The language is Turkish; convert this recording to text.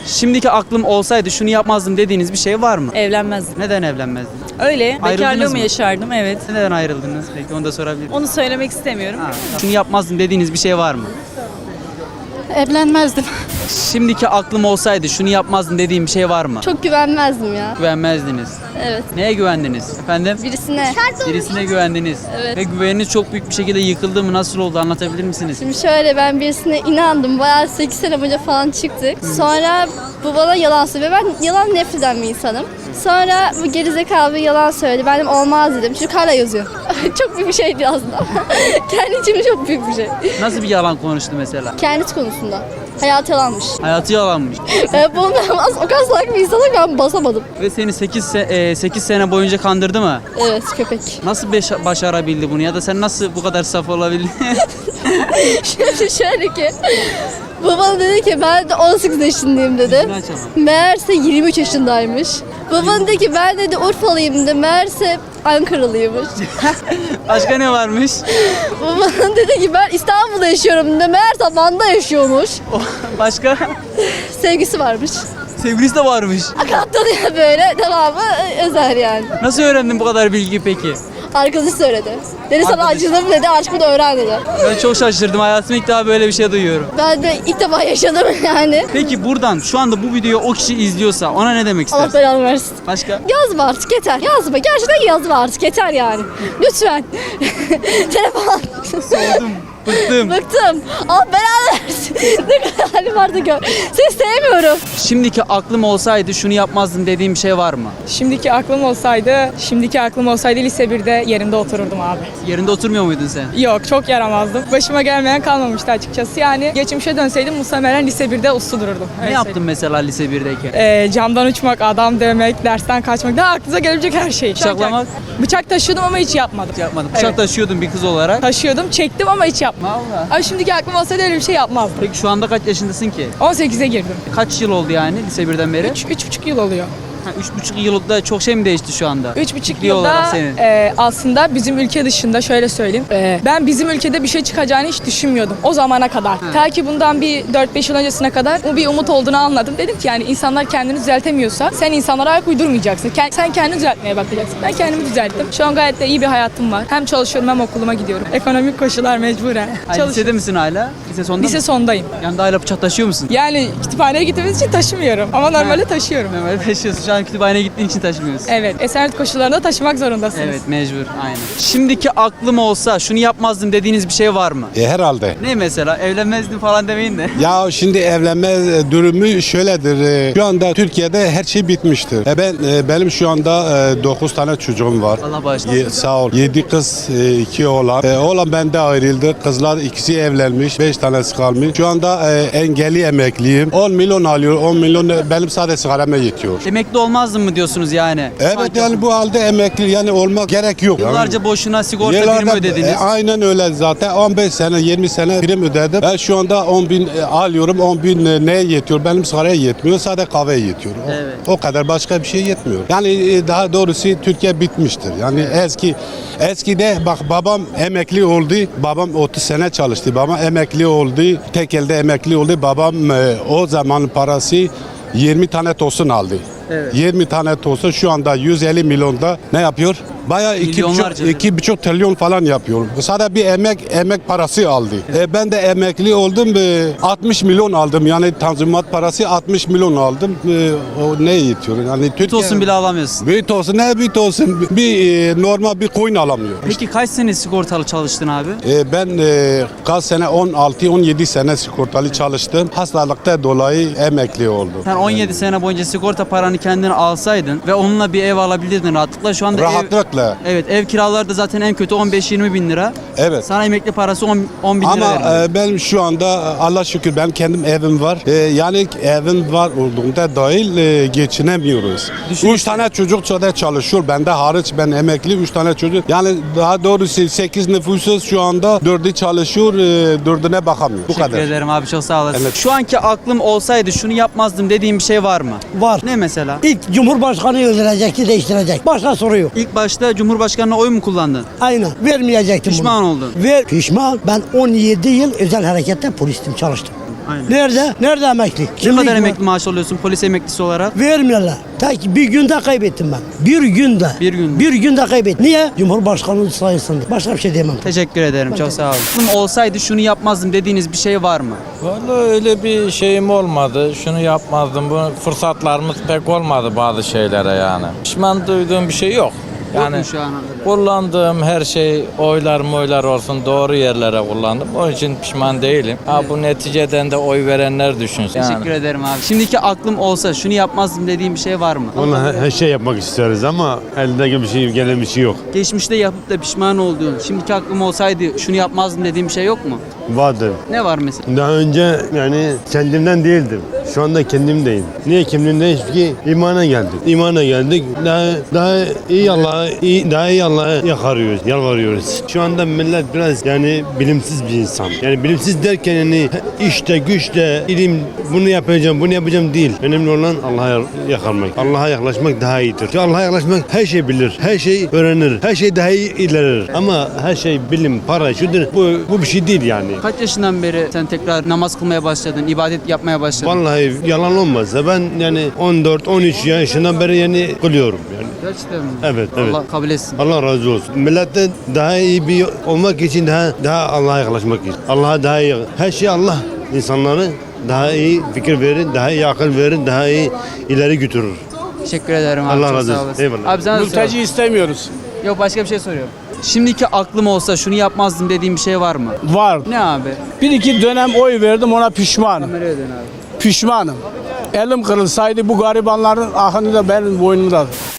Şimdiki aklım olsaydı şunu yapmazdım dediğiniz bir şey var mı? Evlenmezdim. Neden evlenmezdin? Öyle. Ayrıldınız Bekarlığımı mı? yaşardım, evet. Neden ayrıldınız? Peki onu da sorabilir miyim? Onu söylemek istemiyorum. Şunu yapmazdım dediğiniz bir şey var mı? Evlenmezdim. Şimdiki aklım olsaydı şunu yapmazdım dediğim bir şey var mı? Çok güvenmezdim ya. Güvenmezdiniz. Evet. Neye güvendiniz? Efendim? Birisine. Birisine güvendiniz. Evet. Ve güveniniz çok büyük bir şekilde yıkıldı mı? Nasıl oldu? Anlatabilir misiniz? Şimdi şöyle, ben birisine inandım. Bayağı 8 sene boyunca falan çıktık. Sonra bu bana yalan söylüyor. Ben yalan nefret eden bir insanım. Sonra bu gerizekalı bir yalan söyledi. Ben de olmaz dedim. Çocuk hala yazıyor. Çok büyük bir şeydi aslında. Kendi içimde çok büyük bir şey. Nasıl bir yalan konuştu mesela? Kendisi konusunda. Hayatı yalanmış. Hayatı yalanmış. Bundan o kadar salak bir insana ben basamadım. Ve seni 8 sene boyunca kandırdı mı? Evet, köpek. Nasıl başarabildi bunu? Ya da sen nasıl bu kadar saf olabildin? Şöyle ki, babam dedi ki ben de 18 yaşındayım dedi. Yüzünü açamam. Meğerse 23 yaşındaymış. Babam dedi ki ben dedi Urfalıyım dedi. Meğerse Ankaralıymış. Başka ne varmış? Babam dedi ki ben İstanbul'da yaşıyorum dedi. Meğerse Van'da yaşıyormuş. Başka? Sevgisi varmış. Sevgilisi de varmış. Katlanıyor böyle, devamı özel yani. Nasıl öğrendin bu kadar bilgi peki? Arkadaşı söyledi. Dedi sana Arkadaşı. acıdım dedi, aşkımı da öğren dedi. Ben çok şaşırdım. Hayatımda ilk defa böyle bir şey duyuyorum. Ben de ilk defa yaşadım yani. Peki buradan şu anda bu videoyu o kişi izliyorsa ona ne demek Allah istersin? belanı versin. Başka? Yazma artık yeter. Yazma. Gerçekten yazma artık yeter yani. Lütfen. Telefon. Soğudum, bıktım. Bıktım. Allah belanı versin. Ne kadar halim vardı gör. Seni sevmiyorum. Şimdiki aklım olsaydı şunu yapmazdım dediğim bir şey var mı? Şimdiki aklım olsaydı lise 1'de yerimde otururdum abi. Yerinde oturmuyor muydun sen? Yok, çok yaramazdım. Başıma gelmeyen kalmamıştı açıkçası. Yani geçmişe dönseydim muhtemelen lise 1'de uslu dururdum. Ne yaptın mesela lise 1'deyken? Camdan uçmak, adam dövmek, dersten kaçmak, daha aklınıza gelebilecek her şey. Bıçaklamak? Bıçak taşıyordum ama hiç yapmadım. Yapmadım. Bıçak Evet. taşıyordun bir kız olarak. Taşıyordum, çektim ama hiç yapmadım. Valla. Abi şimdiki aklım olsaydı öyle bir şey yapmazdım. Peki şu anda kaç yaşındasın ki? 18'e girdim. Kaç yıl oldu yani lise 1'den beri? 3,5 yıl oluyor. 3,5 yılda çok şey mi değişti şu anda? 3,5 Fikri olarak yılda senin. aslında bizim ülke dışında şöyle söyleyeyim. Ben bizim ülkede bir şey çıkacağını hiç düşünmüyordum o zamana kadar. Ta ki bundan bir 4-5 yıl öncesine kadar bu bir umut olduğunu anladım. Dedim ki yani insanlar kendini düzeltemiyorsa sen insanlara ayak uydurmayacaksın. Sen kendini düzeltmeye bakacaksın. Ben kendimi düzelttim. Şu an gayet de iyi bir hayatım var. Hem çalışıyorum hem okuluma gidiyorum. Ekonomik koşullar mecburen. Lisede misin hala? Lise sonunda Lise mı? sondayım. Yanında hala bıçak taşıyor musun? Yani kütüphaneye gittiğimiz için taşımıyorum. Ama normalde taşıyorum. Normalde taşıyorsun. Şu an kütüphaneye gittiğin için taşımıyorsun. Evet. Esenyurt koşullarında taşımak zorundasınız. Evet, mecbur. Aynen. Şimdiki aklım olsa şunu yapmazdım dediğiniz bir şey var mı? Herhalde. Ne mesela? Evlenmezdim falan demeyin de. Ya şimdi evlenme durumu şöyledir. Şu anda Türkiye'de her şey bitmiştir. Benim şu anda 9 tane çocuğum var. Allah bağışlasın. Sağ ol. 7 kız, 2 oğlan. Oğlan bende ayrıldı. Kızlar ikisi evlenmiş. 5 tanesi kalmış. Şu anda engelli emekliyim. 10 milyon alıyor. 10 milyon benim sadece sigarama yetiyor. Emekli olmazdın mı diyorsunuz yani? Evet Sanki yani bu halde emekli yani olmak gerek yok. yıllarca boşuna sigorta Yıllarca- primi ödediniz. Aynen öyle zaten 15 sene 20 sene prim ödedim. Ben şu anda 10 bin alıyorum, 10 bin neye yetiyor? Benim sigaraya yetmiyor, sadece kahveye yetiyor. Evet. O kadar, başka bir şey yetmiyor. Yani daha doğrusu Türkiye bitmiştir. Yani eskide bak babam emekli oldu. Babam 30 sene çalıştı. Babam emekli oldu. Tek elde emekli oldu. Babam o zaman parası 20 tane tosun aldı. Evet. 20 tane tosun şu anda 150 milyonda ne yapıyor? Bayağı Milyonlarca. 2,5 trilyon falan yapıyor. Sadece bir emek parası aldı. Ben de emekli oldum. 60 milyon aldım. Yani tanzimat parası 60 milyon aldım. O ne yetiyor? Yani Büyük olsun bile alamıyorsun. Büyük olsun, ne büyük olsun. Normal bir coin alamıyor. Peki kaç sene sigortalı çalıştın abi? Ben kaç sene 16-17 sene sigortalı çalıştım. Hastalıkta dolayı emekli oldum. Sen 17 sene boyunca sigorta paranı kendine alsaydın ve onunla bir ev alabilirdin rahatlıkla. Şu anda Rahatlıkla. ev kiraları da zaten en kötü 15-20 bin lira. Evet. Sana emekli parası 10 bin lira Ama veriliyor. ben şu anda Allah şükür benim kendim evim var. Yani evim var olduğunda dahil geçinemiyoruz. Düşünün 3 tane çocuk da çalışıyor. Bende hariç, ben emekli 3 tane çocuk. Yani daha doğrusu 8 nüfusuz şu anda 4'ü çalışıyor, 4'üne bakamıyor. Bu Teşekkür kadar. ederim abi, çok sağ olasın. Evet. Şu anki aklım olsaydı şunu yapmazdım dediğim bir şey var mı? Var. Ne mesela? İlk Cumhurbaşkanı öldürecekti, değiştirecek. Başka soru yok. İlk başta Cumhurbaşkanı'na oy mu kullandın? Aynen. Vermeyecektim Pişman bunu. oldun. Pişman. Ben 17 yıl özel harekette polistim, çalıştım. Aynen. Nerede? Nerede emekli? Ne Kimlik kadar var. emekli maaş alıyorsun polis emeklisi olarak? Vermiyorlar. Tek bir günde kaybettim ben. Bir günde. Bir günde. Bir günde kaybettim. Niye? Cumhurbaşkanlığı sayesinde. Başka bir şey diyemem. Teşekkür ederim. Çok sağ olun. Olsaydı şunu yapmazdım dediğiniz bir şey var mı? Vallahi öyle bir şeyim olmadı. Şunu yapmazdım. Bu fırsatlarımız pek olmadı bazı şeylere yani. Pişman duyduğum bir şey yok. Yok mu Yani şu ana kadar? kullandığım her şey oylar olsun doğru yerlere kullandım. Onun için pişman değilim. Ha bu neticeden de oy verenler düşünsün. Teşekkür ederim abi. Şimdiki aklım olsa şunu yapmazdım dediğim bir şey var mı? Vallahi her şey yapmak isteriz ama eldeki bir şey, gelen bir şey yok. Geçmişte yapıp da pişman olduğun, şimdiki aklım olsaydı şunu yapmazdım dediğim bir şey yok mu? Vardı. Ne var mesela? Daha önce yani kendimden değildim. Şu anda kendimdeyim. Niye kendimdeyim? Çünkü imana geldik. İmana geldik. Daha iyi Allah'a yakarıyoruz, yalvarıyoruz. Şu anda millet biraz yani bilimsiz bir insan. Yani bilimsiz derken yani işte güçle ilim bunu yapacağım değil. Önemli olan Allah'a yakarmak. Allah'a yaklaşmak daha iyidir. Çünkü Allah'a yaklaşmak her şey bilir, her şey öğrenir, her şey daha iyi ilerler. Ama her şey bilim, para, şudur. Bu bir şey değil yani. Kaç yaşından beri sen tekrar namaz kılmaya başladın, ibadet yapmaya başladın? Vallahi yalan olmazsa ben yani 14-13 yaşından beri yani kılıyorum yani. Gerçekten mi? Evet. Allah kabul etsin. Allah razı olsun. Millette daha iyi bir olmak için daha Allah'a yaklaşmak için. Allah'a daha iyi. Her şey Allah insanları daha iyi fikir verir, daha iyi akıl verir, daha iyi ileri götürür. Teşekkür ederim abi. Allah çok razı sağ olsun. olasın. Eyvallah. Abi sana da Mülteci soralım. istemiyoruz. Yok başka bir şey soruyorum. Şimdiki aklım olsa şunu yapmazdım dediğim bir şey var mı? Var. Ne abi? Bir iki dönem oy verdim ona pişmanım. Kameraya dön abi. Pişmanım. Elim kırılsaydı bu garibanların ahını da benim boynumda.